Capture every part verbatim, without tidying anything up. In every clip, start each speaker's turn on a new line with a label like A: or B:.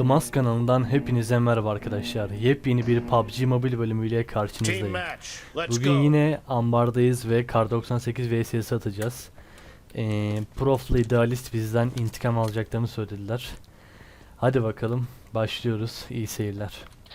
A: Atılmaz kanalından hepinize merhaba arkadaşlar. Yepyeni bir P U B G Mobile bölümüyle karşınızdayım. Bugün yine ambardayız ve Kar doksan sekiz vs S atacağız. Ee, Prof'la idealist bizden intikam alacaklarını söylediler. Hadi bakalım başlıyoruz. İyi seyirler.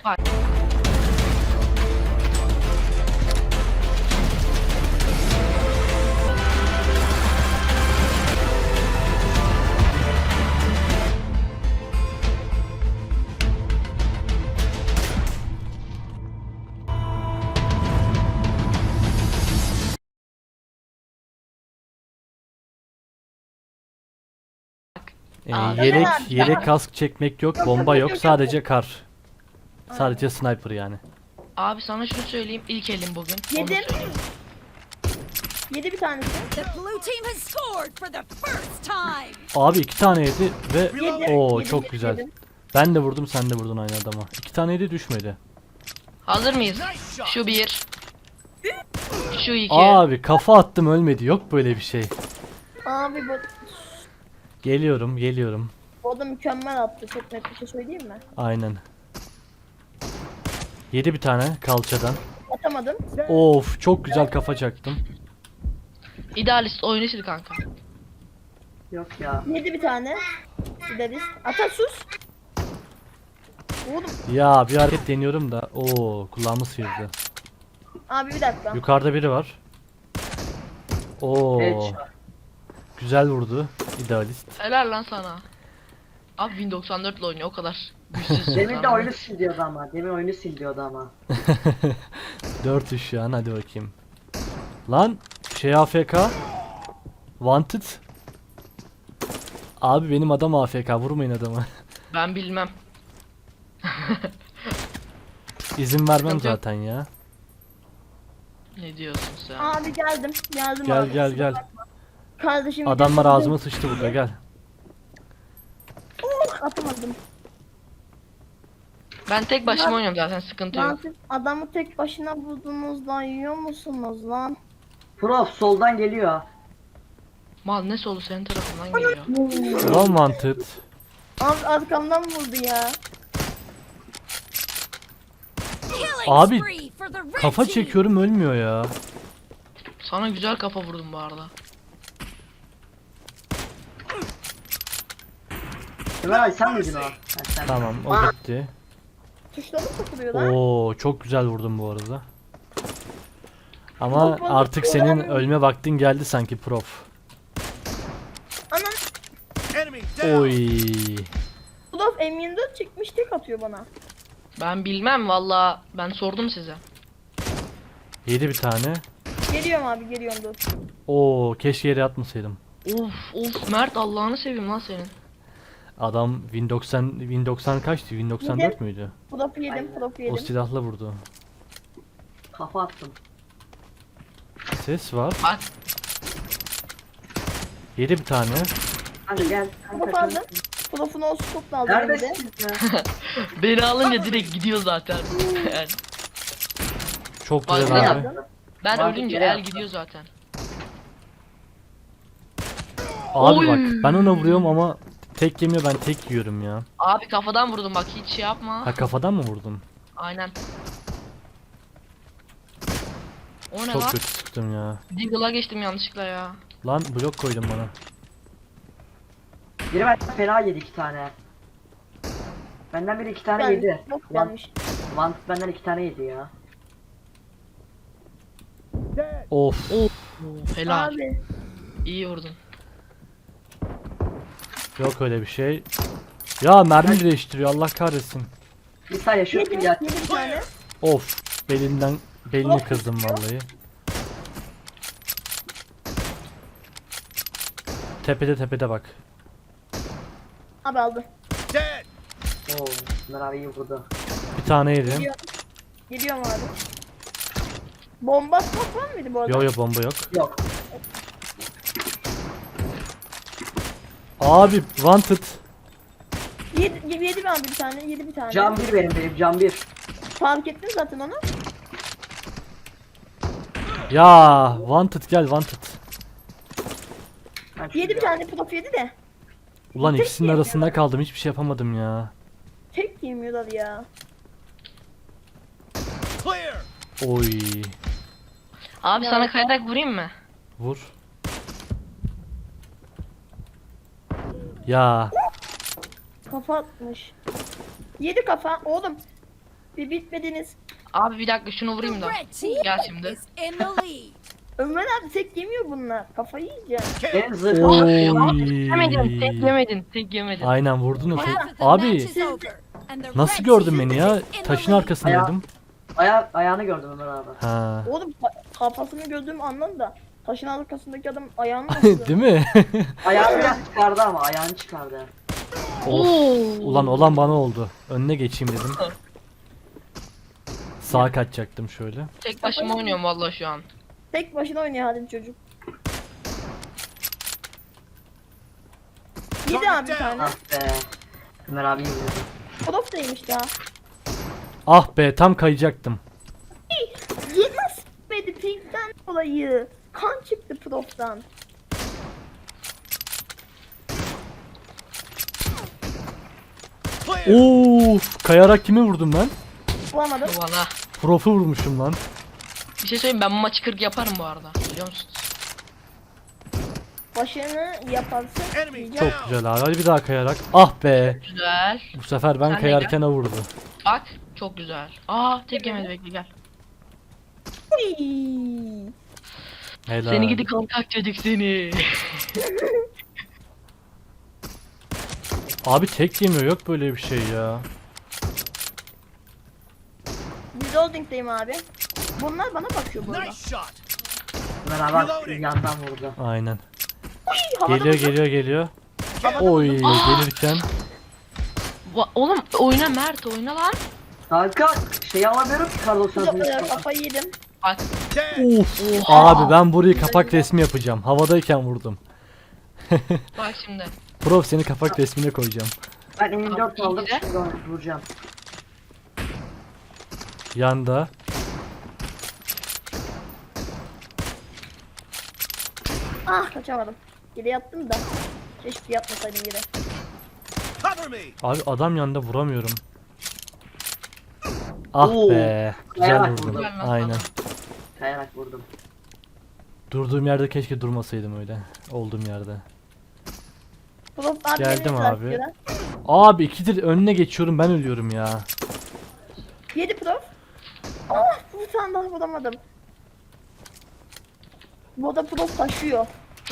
A: Ee, yelek yelek kask çekmek yok, bomba yok, sadece kar. Sadece sniper yani.
B: Abi sana şunu söyleyeyim, ilk elim bugün. Onu
C: Yedim.
B: söyleyeyim.
C: Yedi bir tanesi.
D: The blue team has scored for the first time.
A: Abi iki tane yedi ve
C: Yedim,
A: o
C: yedim,
A: çok
C: yedim,
A: güzel.
C: yedim.
A: Ben de vurdum, sen de vurdun aynı adama. İki tane yedi düşmedi.
B: Hazır mıyız? Şu bir. Şu iki.
A: Abi kafa attım ölmedi. Yok böyle bir şey.
C: Abi bu,
A: Geliyorum, geliyorum.
C: bu da mükemmel attı. Çok net bir şey söyleyeyim mi?
A: Aynen. Yedi bir tane kalçadan.
C: Atamadım.
A: Of, çok güzel kafa çaktım.
B: İdealist oyunu sil kanka.
E: Yok ya.
C: Yedi bir tane. Gideriz. Ata sus. Oğlum.
A: Ya bir hareket deniyorum da. Oo, kulağımı sıyırdı.
C: Abi bir dakika.
A: Yukarıda biri var. Oo.
E: Headshot.
A: Güzel vurdu. İdealist.
B: Helal lan sana. Abi Win doksan dört ile oynuyor o kadar. Güçsüz.
E: Demin de oyunu sil diyordu ama. Demin oyunu sil diyordu ama.
A: dört üç şu an, hadi bakayım. Lan şey A F K. Wanted. Abi benim adam A F K, vurmayın adamı.
B: Ben bilmem.
A: İzin vermem
B: Sıkıntı yok.
A: zaten ya.
B: Ne diyorsun sen?
C: Abi geldim. Geldim
A: Gel
C: abi.
A: gel gel.
C: Kardeşim.
A: Adamlar
C: gidiyor.
A: ağzıma sıçtı burada, gel.
C: Oh, atamadım.
B: Ben tek başıma oynuyorum zaten, sıkıntı
C: Lan
B: yok.
C: siz adamı tek başına buldunuz lan, yiyor musunuz lan?
E: Prof soldan geliyor.
B: Mal ne solu senin tarafından geliyor.
A: Ulan Wanted.
C: Abi arkamdan vurdu ya.
D: Killing
A: Abi,
D: spree for the red
A: Kafa
D: team.
A: çekiyorum ölmüyor ya.
B: Sana güzel kafa vurdum bu arada.
E: Ömer abi sen miydin o? Ha, sen.
A: Tamam, o gitti.
C: Tuşları mı takılıyor lan?
A: Oo, çok güzel vurdum bu arada. Ama
C: Yok, bana
A: artık senin
C: kullanamıyorum.
A: ölme vaktin geldi sanki Prof.
C: Anam.
A: Oy.
C: Ulan M yirmi dört çekmiş, tek atıyor bana.
B: Ben bilmem valla, ben sordum size.
A: Yedi bir tane.
C: Geliyorum abi, geliyorum dur.
A: Oo, keşke yere atmasaydım.
B: Of of Mert, Allah'ını seveyim lan senin.
A: Adam Win doksan Win doksan kaçtı? Win doksan dört
C: Yedi.
A: müydü?
C: Profı yedim, profu
A: O
C: yedim.
A: silahla vurdu.
E: Kafa attım.
A: Ses var.
B: Bak
A: Yedi bir tane.
E: Hadi gel.
C: Profu aldım. Profunu o stopla aldım bir de.
E: Neredesiniz ya?
B: beni alınca direkt gidiyor zaten. Yani
A: Çok
B: Bak,
A: güzel
B: ne
A: abi.
C: Aldım.
B: ben
E: Bak,
B: ölünce
E: yere
B: el
E: yaptı.
B: gidiyor zaten.
A: Abi
B: Oy.
A: bak, ben ona vuruyorum ama tek yemiyor, ben tek yiyorum ya.
B: Abi kafadan vurdum bak, hiç şey yapma.
A: Ha, kafadan mı vurdun?
B: Aynen. O ne
A: Çok
B: lan?
A: kötü sıktım ya.
B: Deagle'a geçtim yanlışlıkla ya.
A: Lan blok koydum bana.
E: Biri benden fena yedi iki tane. Benden biri iki tane
C: Yani,
E: yedi.
C: Çok
E: Van,
C: gelmiş.
E: Van benden iki tane yedi ya.
A: Of.
B: Oo, helal.
C: Abi.
B: İyi vurdun.
A: Yok öyle bir şey. Ya mermi değiştiriyor, Allah kahretsin.
E: Bir saniye şu
C: Yedim,
E: ya.
C: yedim bir tane.
A: Of. Belinden belini kırdım vallahi. Tepede tepede bak.
C: Abi aldı.
E: Oo, Ömer abi iyi vurdu.
A: Bir tane yedim.
C: Geliyorum. Geliyorum abi. Bomba atmak var mıydı bu arada?
A: Yo yo, bomba yok.
E: Yok.
A: Abi Wanted.
C: Yedi, yedi, yedi abi bir tane, yedi bir tane.
E: Cam bir benim benim cam bir.
C: Fark ettin zaten onu.
A: Ya, Wanted gel, Wanted.
E: Ben şu-
C: Yedi bir tane prof yedi de.
A: Ulan
C: Tek
A: ikisinin
C: yemiyor.
A: arasında kaldım, hiçbir şey yapamadım ya.
C: tek yemiyorlar ya.
A: Oy.
B: Abi
C: Ya.
B: sana kayarak vurayım mı?
A: Vur. Ya.
C: Kafa atmış. Yedi kafa oğlum. Bir bitmediniz.
B: Abi bir dakika şunu vurayım
D: The
B: da.
D: red team
B: Gel şimdi.
D: is in the lead.
C: Ömer abi tek yemiyor bunlar. Kafayı yiyeceksin.
E: Benim zırhım.
A: Oy.
B: Yemedin, tek yemedin, tek yemedin.
A: Aynen vurdun o tek.
D: Half of the match
A: Abi
D: is over, and the
A: nasıl
D: red
A: gördün
D: team
A: beni ya?
D: is in the
A: Taşın
D: lead.
A: arkasındaydım.
E: Aya ayağını gördüm Ömer abi.
A: Ha.
C: Oğlum ka- kafasını gördüğüm anlam da taşın arkasındaki adam ayağını nasıl?
A: Değil mi?
E: Ayağını biraz çıkardı ama ayağını çıkardı.
A: Of. Ulan olan bana oldu. Önüne geçeyim dedim. Sağa kaçacaktım şöyle.
B: Tek başıma oynuyorum vallahi şu an.
C: Tek başına oynuyor Halim çocuk. Yedi abi bir tane.
E: Ah be. Ömer abi yedi.
C: Prof değilmiş daha.
A: Ah be tam kayacaktım.
C: Yedi nasıl bitmedi pinkten dolayı. Kan çıktı proftan.
A: Of, kayarak kimi vurdum ben?
C: Bulamadım.
B: Valla.
A: Prof'u vurmuşum lan.
B: Bir şey söyleyeyim, ben bu maçı kırk yaparım bu arada. Biliyor musunuz?
C: Başını yaparsın.
A: Çok güzel abi. Hadi bir daha kayarak. Ah be.
B: Güzel.
A: Bu sefer ben
B: Sen de
A: kayarken o vurdu.
B: Bak. Çok güzel. Aa tek yemedi, bekle gel.
A: Helal.
B: Seni gidi kalkak çocuk seni.
A: Abi tek yemiyor, yok böyle bir şey ya.
C: Reloading'deyim abi. Bunlar bana bakıyor burada.
E: Ömer abi yandan vurdu.
A: Aynen.
C: Havada
A: Geliyor
C: vurdum.
A: geliyor geliyor.
C: Havada
A: Oy
C: vurdum.
A: gelirken.
B: Va- Oğlum oyna Mert, oyna lan.
E: Kanka şey alamıyorum ki Carlos
C: Çok güzel,
E: Santos.
C: kafayı yedim.
B: Bak.
A: Uf.
B: Oha.
A: Abi ben burayı kapak resmi yapacağım. Havadayken vurdum.
B: Bak şimdi.
A: Prof seni kapak resmine koyacağım.
E: Ben M dört
B: Abi,
E: aldım
B: iyi de.
E: şimdi onu vuracağım.
A: Yanda.
C: Ah kaçamadım. Geri yattım da. Keşke yatmasaydım geri.
A: Abi adam yanında vuramıyorum. Ah
E: Oo,
A: be. Güzel
E: kayarak
A: vurdum.
E: vurdum.
A: Aynen.
E: Kayarak vurdum.
A: Durduğum yerde keşke durmasaydım öyle. Olduğum yerde.
C: Prof abi
A: Geldim
C: beni
A: abi.
C: bırakıyor lan.
A: Abi ikidir önüne geçiyorum, ben ölüyorum ya.
C: Yedi prof. Ah bir tane daha vuramadım. Bu da prof taşıyor.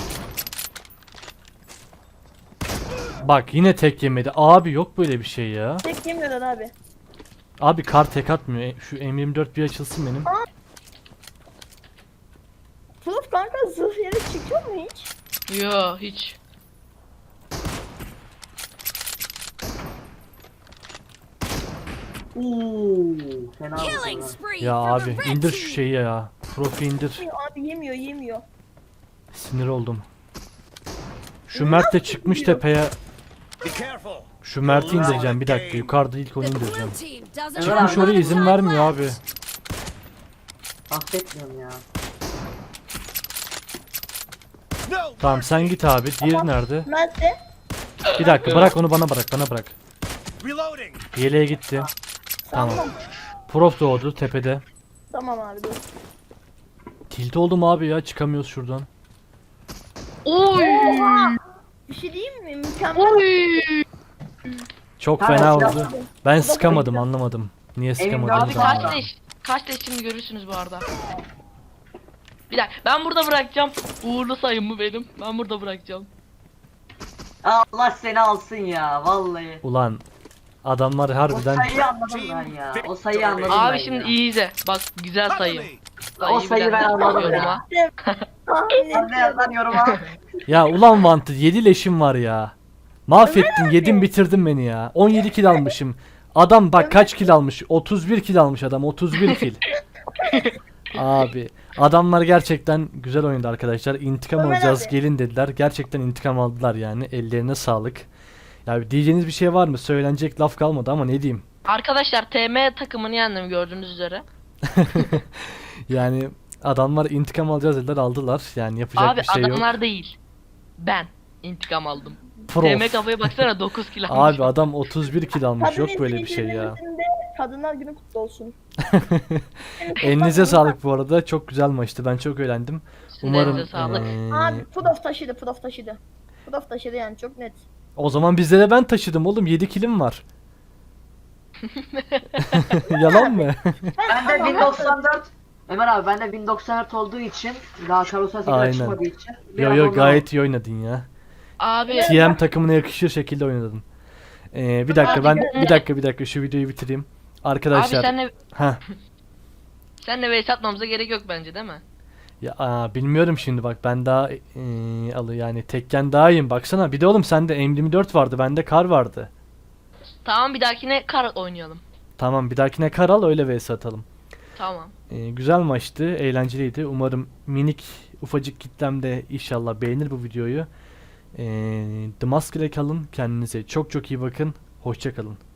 A: Bak yine tek yemedi. Abi yok böyle bir şey ya.
C: Tek yemiyorlar abi.
A: Abi kar tek atmıyor. E, Şu M yirmi dört bir açılsın benim.
C: Prof kanka zırh yeri çıkıyor mu hiç?
B: Yo hiç.
E: Uuu fena
D: Killing
E: vurdu.
D: spree
A: Ya
D: for
A: abi
D: the red
A: indir şu
D: team.
A: şeyi ya. Profi indir.
C: Yemiyor abi yemiyor yemiyor.
A: Sinir oldum. Şu Mert de çıkmış tepeye. Şu Mert'i indireceğim bir dakika. Yukarıda ilk onu
D: The
A: indireceğim.
D: blue team doesn't
E: Çıkmış
A: Çıkmış
D: have
A: oraya
D: enough
A: izin
D: time
A: vermiyor
D: left.
A: abi.
E: Affetmiyorum ya.
A: Tamam sen git abi. Diğeri nerede?
C: Nerede?
A: Bir dakika bırak onu, bana bırak, bana bırak. Yeleğe gitti. Tamam.
C: Tamam.
A: Prof doğdu tepede.
C: Tamam abi dur.
A: Tilt oldum abi ya, çıkamıyoruz şuradan.
B: Oy.
C: Bir şey diyeyim mi? Mükemmel.
B: Oy.
A: Çok
E: Ha,
A: fena
E: silah-
A: oldu. Ben sıkamadım, anlamadım. Niye sıkamadım?
B: Abi
E: Tamam.
B: kaç leş? Kaç leş şimdi görürsünüz bu arada. Bir dakika ben burada bırakacağım. Uğurlu sayım mı benim? Ben burada bırakacağım.
E: Allah seni alsın ya vallahi.
A: Ulan adamlar
E: O
A: harbiden
E: sayıyı anladım ben ya. O sayıyı anladım ben
B: Abi şimdi
E: ya.
B: iyi izle. Bak güzel sayı.
E: O sayıyı ben anladım ya.
B: yoruma.
C: Tahmin
E: Sen de yaz lan yoruma.
A: ya ulan Wanted yedi leşim var ya. Mahvettin, yedin bitirdin beni ya. on yedi kill almışım. Adam bak kaç kill almış? otuz bir kill almış adam. otuz bir kill. Abi adamlar gerçekten güzel oynadı arkadaşlar. İntikam
C: Ömer
A: alacağız
C: abi.
A: gelin dediler. Gerçekten intikam aldılar yani. Ellerine sağlık. Ya diyeceğiniz bir şey var mı? Söylenecek laf kalmadı ama ne diyeyim.
B: Arkadaşlar T M takımını yendim gördüğünüz üzere.
A: Yani adamlar intikam alacağız dediler, aldılar. Yani yapacak
B: Abi
A: bir şey yok.
B: adamlar değil. Ben intikam aldım.
A: Prof.
B: D M kafaya baksana dokuz kilo almış.
A: Abi adam otuz bir kill almış.
C: Kadın
A: Yok böyle bir şey ya.
C: izleyicilerimizin de Kadınlar Günü kutlu olsun.
A: Elinize sağlık bu arada. Çok güzel maçtı. Ben çok eğlendim.
B: Sizin
A: Umarım
B: elinize sağlık.
A: eee,
C: Abi Prof taşıdı, Prof taşıdı. Prof taşıdı yani çok net.
A: o zaman bizde de ben taşıdım oğlum. yedi killim var. Yalan mı?
E: Ben de Win doksan dört. Ömer abi ben de Win doksan dört olduğu için daha Kar doksan sekiz
A: Aynen.
E: açılmadığı için.
A: Yo
E: biraz
A: yo
E: ondan
A: gayet iyi oynadın ya.
B: Abi
A: T M takımına yakışır şekilde oynadın. Ee, bir dakika ben bir dakika bir dakika şu videoyu bitireyim.
B: abi
A: Arkadaşlar.
B: senle
A: Ha.
B: senle vs atmamıza gerek yok bence değil mi?
A: Ya aa, bilmiyorum şimdi bak ben daha eee alı yani tekken daha iyiyim baksana. Bir de oğlum sende M yirmi dört vardı, bende kar vardı.
B: Tamam bir dahakine kar oynayalım.
A: Tamam bir dahakine kar al öyle vs atalım.
B: Tamam.
A: Ee, güzel maçtı, eğlenceliydi. Umarım minik ufacık kitlem de inşallah beğenir bu videoyu. Ee, The Mask ile kalın. Kendinize çok çok iyi bakın. Hoşça kalın.